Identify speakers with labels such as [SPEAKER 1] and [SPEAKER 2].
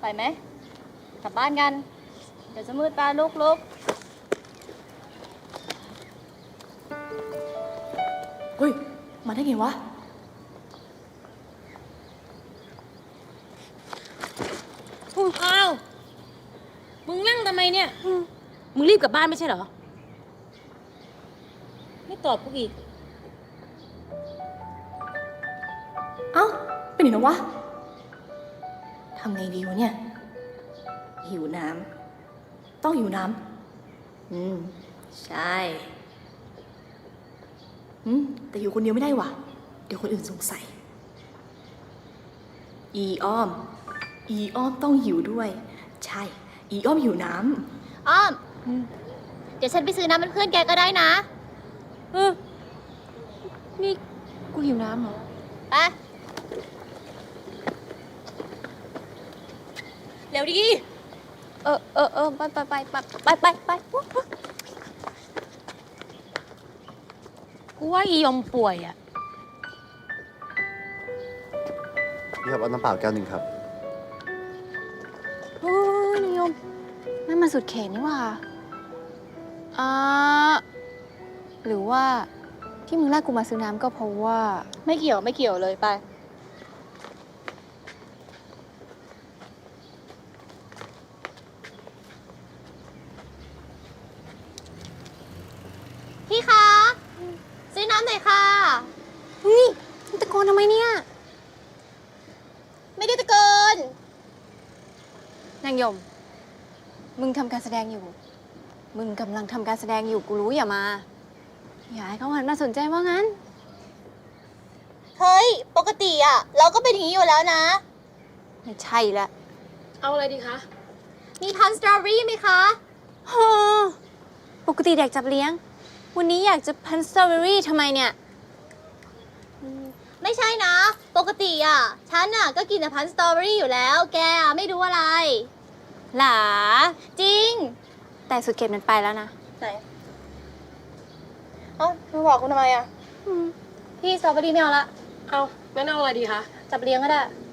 [SPEAKER 1] ไปไหมกลับบ้านกัน เดี๋ยวจะมืดตาลุก
[SPEAKER 2] เฮ้ย มาได้ไงวะ
[SPEAKER 3] อ้าว มึงนั่งทำไมเนี่ย มึงรีบกลับบ้านไม่ใช่เหรอ ไม่ตอบกูอีก
[SPEAKER 2] เอ้า เป็นไหนแล้ววะ ทำไงดีวะเนี่ย หิวน้ำ ต้องหิวน้ำ ใช่ แต่อยู่คนเดียวไม่ได้ว่ะ เดี๋ยวคนอื่นสงสัย อีอ้อมต้องหิวด้วย ใช่ อีอ้อมหิวน้ำ
[SPEAKER 1] อ้อม เดี๋ยวฉันไปซื้อน้ำเป็นเพื่อนแกก็ได้นะ
[SPEAKER 3] นี่กูหิวน้ำเหรอ
[SPEAKER 1] ไป
[SPEAKER 3] เร็วดิ
[SPEAKER 1] ไป
[SPEAKER 3] กูว่าอียมป่วยอ่ะ
[SPEAKER 4] พี่ครับเอาน้ำเปล่าแก้วหนึ่งครับ
[SPEAKER 5] โอ้ยนิยมนั่นมันสุดเขตนี่หว่าหรือว่าที่มึงแรกกูมาซื้อน้ำก็เพราะว่า
[SPEAKER 1] ไม่เกี่ยวเลยไป พี่คะ ซื้อน้ำหน่อยค่ะ
[SPEAKER 5] นี่มึงตะโกนทำไมเนี่ย
[SPEAKER 1] ไม่ได้ตะโกน
[SPEAKER 5] นางยม มึงทำการแสดงอยู่ มึงกำลังทำการแสดงอยู่กูรู้อย่ามา อย่าให้เขาหันมาสนใจว่างั้น
[SPEAKER 1] เฮ้ย ปกติอ่ะ เราก็เป็นอย่างนี้อยู่แล้วนะ
[SPEAKER 5] ไม่ใช่ละ
[SPEAKER 3] เอาอะไรดีคะ
[SPEAKER 1] มีพันสตรอเบอรี่ไหมคะ
[SPEAKER 5] ฮะปกติแดกจับเลี้ยง วันนี้อยากจะพันสตรอเบอรี่ทำไมเนี่ย
[SPEAKER 1] ไม่ใช่นะ ปกติอ่ะ ฉันอ่ะก็กินแต่พันสตรอเบอรี่อยู่แล้ว แกอ่ะไม่รู้อะไร
[SPEAKER 5] หลา
[SPEAKER 1] จริง
[SPEAKER 5] แต่สุดเขตมันไปแล้วนะ
[SPEAKER 1] ไหนเอ้ามาบอกคุณทำไมอ่ะ พี่สตรอเบอรี่ไม่เอาละ
[SPEAKER 3] เอางั้นเอาอะไรดีคะ
[SPEAKER 1] จับเลี้ยงก็ได้